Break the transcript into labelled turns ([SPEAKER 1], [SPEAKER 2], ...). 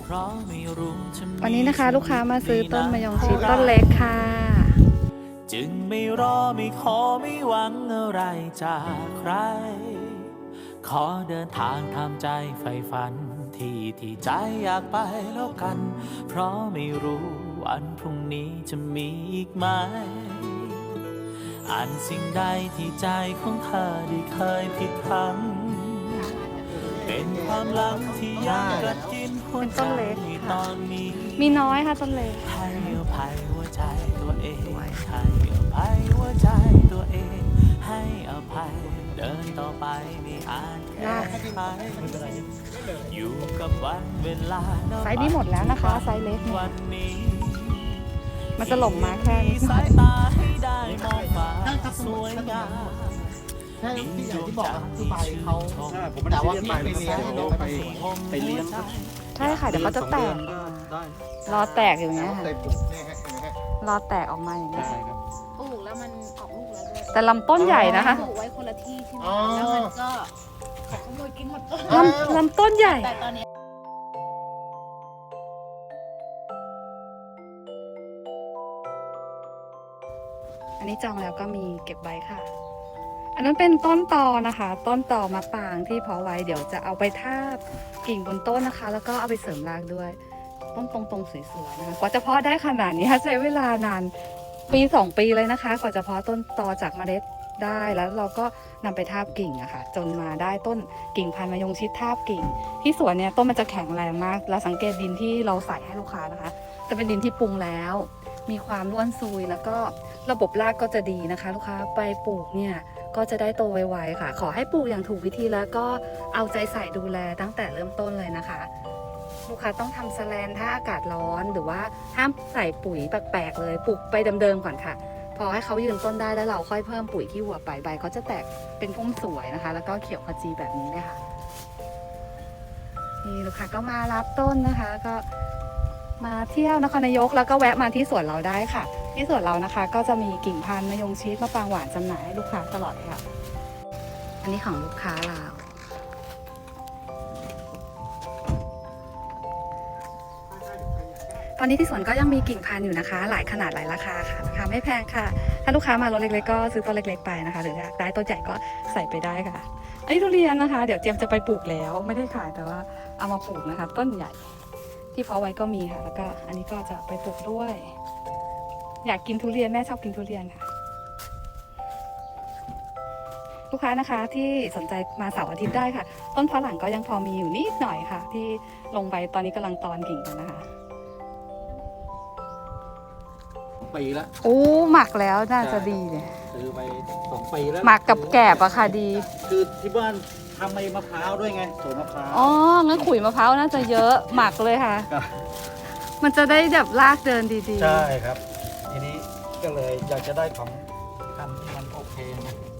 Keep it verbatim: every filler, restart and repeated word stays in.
[SPEAKER 1] วันนี้นะคะลูกค้ามาซื้อต้นมะยงชิดต้นเล็กค่ะ
[SPEAKER 2] จึงไม่รอไม่ขอไม่หวังอะไรจากใครขอเดินทางทำใจใฝ่ฝันที่ที่ใจอยากไปแล้วกันเพราะไม่รู้วันพรุ่งนี้จะมีอีกไหมอ่านสิ่งใดที่ใจของเธอได้เคยผิดพลั้งเป็นความหลังที่ยังกัดกินหัวใจตอนนี้
[SPEAKER 1] มีน้อยค่ะต้นเล็ก
[SPEAKER 2] ให้อภัยหัวใจตัวเองให้อภัยหัวใจตัวเองให้อภัยเดินต่อไปไม่อาจแก้ไขอยู่กับวันเวลา
[SPEAKER 1] ไซส์นี้หมดแล้วนะคะไซส์เล็ก
[SPEAKER 2] วันนี้
[SPEAKER 1] มันจะหลงมาแค่นี้
[SPEAKER 2] สายตาให้ได้มองฟ้าสวยงาม
[SPEAKER 3] ใช่ที่อย่างที่บอกคือใบเขาแต่ว่าพี่ไปเลี้ยงไปไปเลี้ยง
[SPEAKER 1] ใช่ค่ะเดี๋ยวเขาจะแตกรอแตกอย่างเงี้ยค่ะรอแตกออกมาอย่างเงี้ย
[SPEAKER 4] ปลูกแล้วมันออกลูกแล้วด้วย
[SPEAKER 1] แต่ลำต้นใหญ่นะคะ
[SPEAKER 4] ปลูกไว้คนละที่ใช่ไหมแล้วมันก็ขอขโมยกินหมดต้น
[SPEAKER 1] ลำลำต้นใหญ่
[SPEAKER 4] แต่ตอนนี้
[SPEAKER 1] อันนี้จองแล้วก็มีเก็บใบค่ะอันนั้นเป็นต้นตอนะคะต้นตอมะปรางที่เพาะไว้เดี๋ยวจะเอาไปทาบกิ่งบนต้นนะคะแล้วก็เอาไปเสริมรากด้วยต้นตรงๆสวยๆนะคะกว่าจะเพาะได้ขนาดนี้ใช้เวลานานปีสองปีเลยนะคะกว่าจะเพาะต้นตอจากเมล็ดได้แล้วเราก็นำไปทาบกิ่งอะค่ะจนมาได้ต้นกิ่งพันธุ์มะยงชิดทาบกิ่งที่สวนเนี่ยต้นมันจะแข็งแรงมากเราสังเกตดินที่เราใส่ให้ลูกค้านะคะจะเป็นดินที่ปรุงแล้วมีความร่วนซุยแล้วก็ระบบรากก็จะดีนะคะลูกค้าไปปลูกเนี่ยก็จะได้โตไวๆค่ะขอให้ปลูกอย่างถูกวิธีแล้วก็เอาใจใส่ดูแลตั้งแต่เริ่มต้นเลยนะคะลูกค้าต้องทำแสแลนถ้าอากาศร้อนหรือว่าห้ามใส่ปุ๋ยแปลกๆเลยปลูกไปเดิมๆก่อนค่ะพอให้เขายืนต้นได้แล้วเราค่อยเพิ่มปุ๋ยที่หัวไปใบเขาจะแตกเป็นพุ่มสวยนะคะแล้วก็เขียวขจีแบบนี้เลยค่ะนี่ลูกค้าก็มารับต้นนะคะก็มาเที่ยวนครนายกแล้วก็แวะมาที่สวนเราได้ค่ะที่สวนเรานะคะก็จะมีกิ่งพันธุ์มะยงชิดมะปรางหวานจำหน่ายให้ลูกค้าตลอดค่ะอันนี้ของลูกค้าเราตอนนี้ที่สวนก็ยังมีกิ่งพันธุ์อยู่นะคะหลายขนาดหลายราคาค่ะราคาไม่แพงค่ะถ้าลูกค้ามารถเล็กๆก็ซื้อต้นเล็กๆไปนะคะหรืออยากได้ต้นใหญ่ก็ใส่ไปได้ค่ะอันนี้ทุเรียนนะคะเดี๋ยวเจียมจะไปปลูกแล้วไม่ได้ขายแต่ว่าเอามาปลูกนะคะต้นใหญ่ที่เพาะไว้ก็มีค่ะแล้วก็อันนี้ก็จะไปปลูกด้วยอยากกินทุเรียนแม่ชอบกินทุเรียนค่ะลูกค้านะคะที่สนใจมาเสาร์อาทิตย์ได้ค่ะต้นฝรั่งก็ยังพอมีอยู่นิดหน่อยค่ะที่ลงไปตอนนี้กำลังตอนกิ่งกันนะคะ
[SPEAKER 3] ปีแล้ว
[SPEAKER 1] โอ้หมักแล้วน่าจะดีเลย
[SPEAKER 3] ซื้อไปสองปีแล้ว
[SPEAKER 1] หมักกับแกบอะค่ะดี
[SPEAKER 3] คือที่บ้านทำไอ้มะพร้าวด้วยไงสวนมะพร้าว
[SPEAKER 1] อ๋องั้นขุยมะพร้าวน่าจะเยอะหมักเลยค่ะมันจะได้แบบลากเดินดี
[SPEAKER 3] ๆใช่ครับทีนี้ก็เลยอยากจะได้ของทำที่มันโอเคนะ